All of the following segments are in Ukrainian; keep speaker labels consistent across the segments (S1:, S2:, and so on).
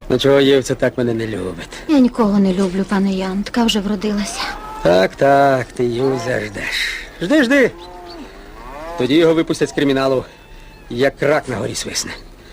S1: Ну чого Євця так мене не любить?
S2: Я нікого не люблю, пане Ян. Така вже вродилася.
S1: Так, ти Юзя ждеш. Жди. Тоді його випустять з криміналу, як рак на горі свисне.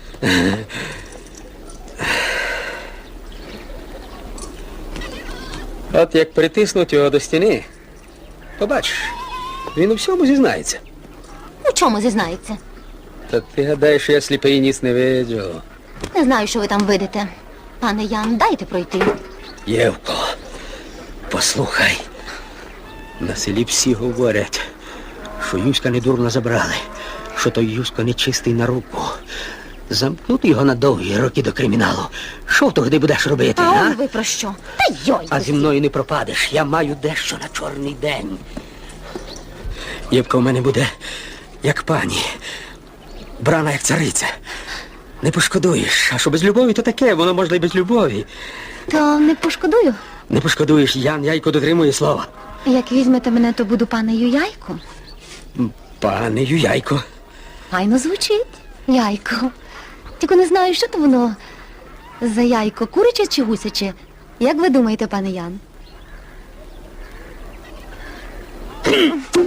S1: От як притиснуть його до стіни, побачиш, він у всьому зізнається.
S2: У чому зізнається?
S1: Та ти гадаєш, що я сліпий ніс не виджу.
S2: Не знаю, що ви там видите. Пане Ян, дайте пройти.
S1: Євко, послухай. На селі всі говорять, що Юська недурно забрали, що той Юська нечистий на руку. Замкнути його на довгі роки до криміналу. Що ти тоді будеш робити,
S2: А
S1: а?
S2: он ви про що? Та йой!
S1: А зі мною не пропадеш. Я маю дещо на чорний день. Євка у мене буде, як пані. Брана, як цариця. Не пошкодуєш. А що без любові, то таке, воно можна і без любові.
S2: То не пошкодую.
S1: Не пошкодуєш, Ян Яйко дотримує слова.
S2: Як візьмете мене, то буду панею Яйко.
S1: Пане Юяйко.
S2: Файно звучить. Яйко. Тільки не знаю, що то воно за яйко, куряче чи гусяче. Як ви думаєте, пане Ян?